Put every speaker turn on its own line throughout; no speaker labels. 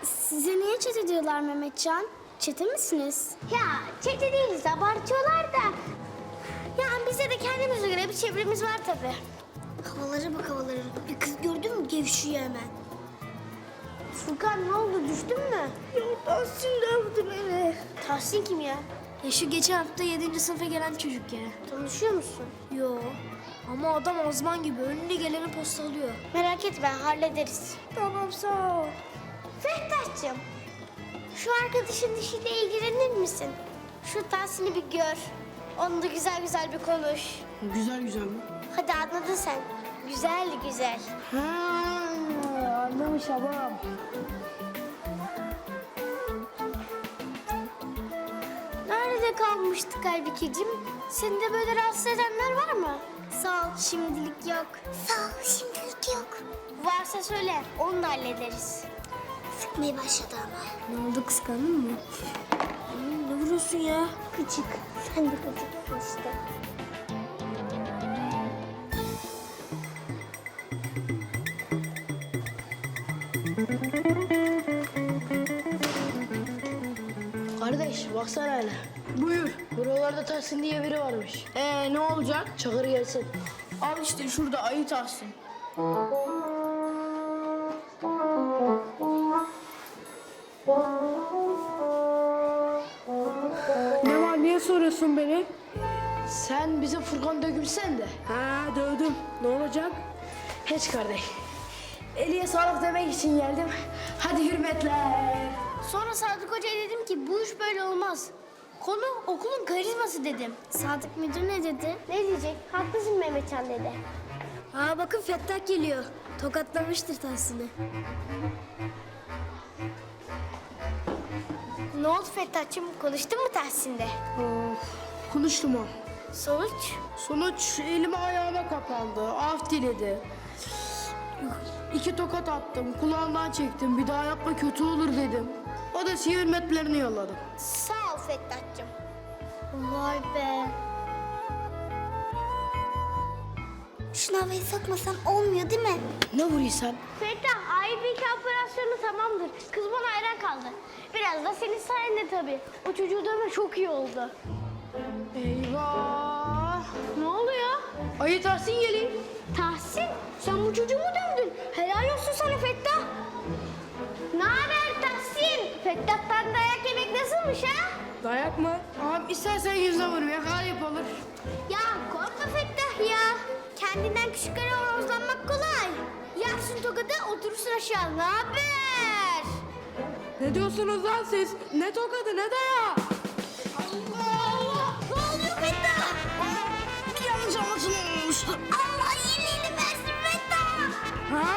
Size niye çete diyorlar Mehmetcan? Çete misiniz?
Ya çete değiliz, abartıyorlar da. Yani bize de kendimize göre bir çevremiz var tabii.
Havalara bak havalara. Bir kız gördün mü gevşiyor hemen.
Furkan ne oldu, düştün mü?
Yok Tahsin dövdü beni.
Tahsin kim ya?
Ya şu geçen hafta 7. sınıfa gelen çocuk ya.
Tanışıyor musun?
Yo. Ama adam azman gibi önüne geleni postalıyor.
Merak etme, hallederiz.
Tamam sağ ol.
Fehtah'cığım, şu arkadaşın işiyle ilgilenir misin? Şu Tahsin'i bir gör. Onunla güzel güzel bir konuş.
Güzel güzel mi?
Hadi anladın sen. Güzel güzel.
Ha, anlamış babam.
Nerede kalmıştık Aybikeciğim? Seni de böyle rahatsız edenler var mı?
Sağ ol şimdilik yok.
Sağ ol, şimdilik yok. Varsa söyle, onu da hallederiz.
Sıkmaya başladı ama. Ne oldu kıskandın mı? Ne vuruyorsun ya?
Gıcık. Sen de gıcıksın işte.
Kardeş baksana hele.
Buyur.
Buralarda Tahsin diye biri varmış.
Ne olacak?
Çakır gelsin.
Al işte şurada ayı Tahsin. Ne var? Niye soruyorsun beni?
Sen bize Furkan dökümsen de.
Ha dövdüm. Ne olacak?
Hiç kardeş. Eliye sağlık demek için geldim. Hadi hürmetler.
Sonra Sadık Hoca'ya dedim ki bu iş böyle olmaz. Konu okulun karizması dedim.
Sadık müdür ne dedi?
Ne diyecek? Haklısın Mehmetcan dedi.
Aa bakın Fettah geliyor. Tokatlamıştır Tahsin'i.
Ne oldu Fettah'cığım? Konuştun mu Tahsin'de?
Konuştum o.
Sonuç?
Sonuç elime ayağıma kapandı. Af diledi. 2 tokat attım. Kulağından çektim. Bir daha yapma kötü olur dedim. O da size hürmetlerini yolladı.
Sağ ol Fettah'cığım.
Vay be. Şunu havaya sokmasan olmuyor değil mi?
Ne vuruyorsan?
Fettah, Aybike operasyonu tamamdır. Kız bana hayran kaldı. Biraz da senin sayende tabii. O çocuğu dövme çok iyi oldu.
Eyvah.
Ne oluyor?
Ayı Tahsin geliyor.
Tahsin, sen bu çocuğu mu dövdün? Helal olsun sana Fettah. Ne haber Tahsin? Fettah'tan dayak yemek nasılmış ha?
Dayak mı? Ağam istersen yüzüne vurayım. Yakalayıp olur.
Ya korkma Fettah ya. Kendinden küçüklere horozlanmak kolay. Yaksın tokadı oturursun aşağı. Ne haber?
Ne diyorsunuz lan siz? Ne tokadı ne dayağı?
Allah! Ne oluyor Fettah?
Bir yanlış anlaşılma olmuştu.
Allah iyiliğini versin Fettah.
Ha?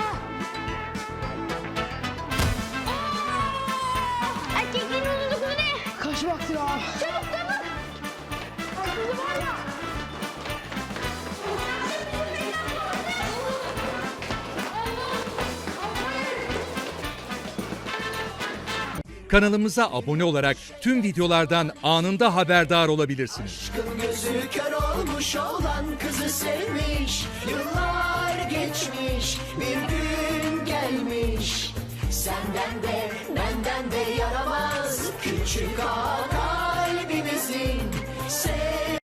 Erkeklerin uzunluk mu ne?
Kaç vakti ya?
Çabuk çabuk. Kızı var ya.
Kanalımıza abone olarak tüm videolardan anında haberdar olabilirsiniz.
Aşkın gözü kör olmuş olan kızı sevmiş. Yıllar geçmiş, bir gün gelmiş. Senden de benden de yaramaz küçük ağa kalbimizin.